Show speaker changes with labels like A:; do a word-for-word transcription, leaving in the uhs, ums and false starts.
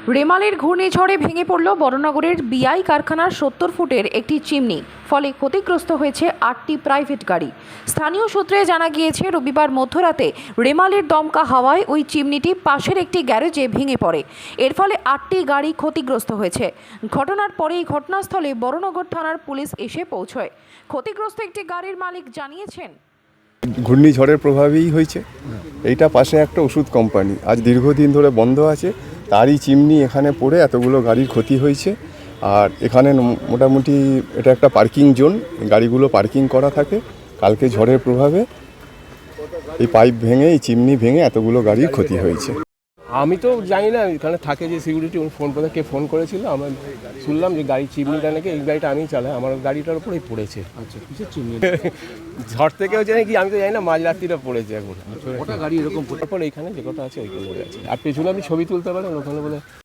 A: রেমালের ঘূর্ণিঝড়ে ভেঙে পড়ল বড়নগরের বিআই কারখানার সত্তর ফুটের একটি চিমনি। ফলে ক্ষতিগ্রস্ত হয়েছে আটটি প্রাইভেট গাড়ি। স্থানীয় সূত্রে জানা গিয়েছে, রবিবার মধ্যরাতে রেমালের দমকা হাওয়ায় ওই চিমনিটি পাশের একটি গ্যারেজে ভেঙে পড়ে। এর ফলে আটটি গাড়ি ক্ষতিগ্রস্ত হয়েছে। ঘটনার পরেই ঘটনাস্থলে বড়নগর থানার পুলিশ এসে পৌঁছয়। ক্ষতিগ্রস্ত একটি গাড়ির মালিক জানিয়েছেন,
B: ঘূর্ণিঝড়ের প্রভাবেই হয়েছে। এইটা পাশে একটা ওষুধ কোম্পানি, আজ দীর্ঘদিন ধরে বন্ধ আছে, তারই চিমনি এখানে পড়ে এতগুলো গাড়ির ক্ষতি হয়েছে। আর এখানে মোটামুটি এটা একটা পার্কিং জোন, গাড়িগুলো পার্কিং করা থাকে। কালকে ঝড়ের প্রভাবে এই পাইপ ভেঙে, এই চিমনি ভেঙে এতগুলো গাড়ির ক্ষতি হয়েছে।
C: আমি তো জানি না, এখানে থাকে যে সিকিউরিটি, উনি ফোন করে কে ফোন করেছিল, আমরা শুনলাম যে গাড়ি চিমনিটা নাকি, এই গাড়িটা আমি চালাই, আমার গাড়িটার উপরেই পড়েছে। আচ্ছা, কিসের চিমনি? ঝড় থেকে হচ্ছে নাকি আমি তো জানি না, মাঝরাত্রিটা পড়েছে এখন। ওটা গাড়ি এরকম পড়ে এইখানে যে কটা আছে ওইগুলো আছে। আর পেছনে আপনি ছবি তুলতে পারেন ওখানে বলে।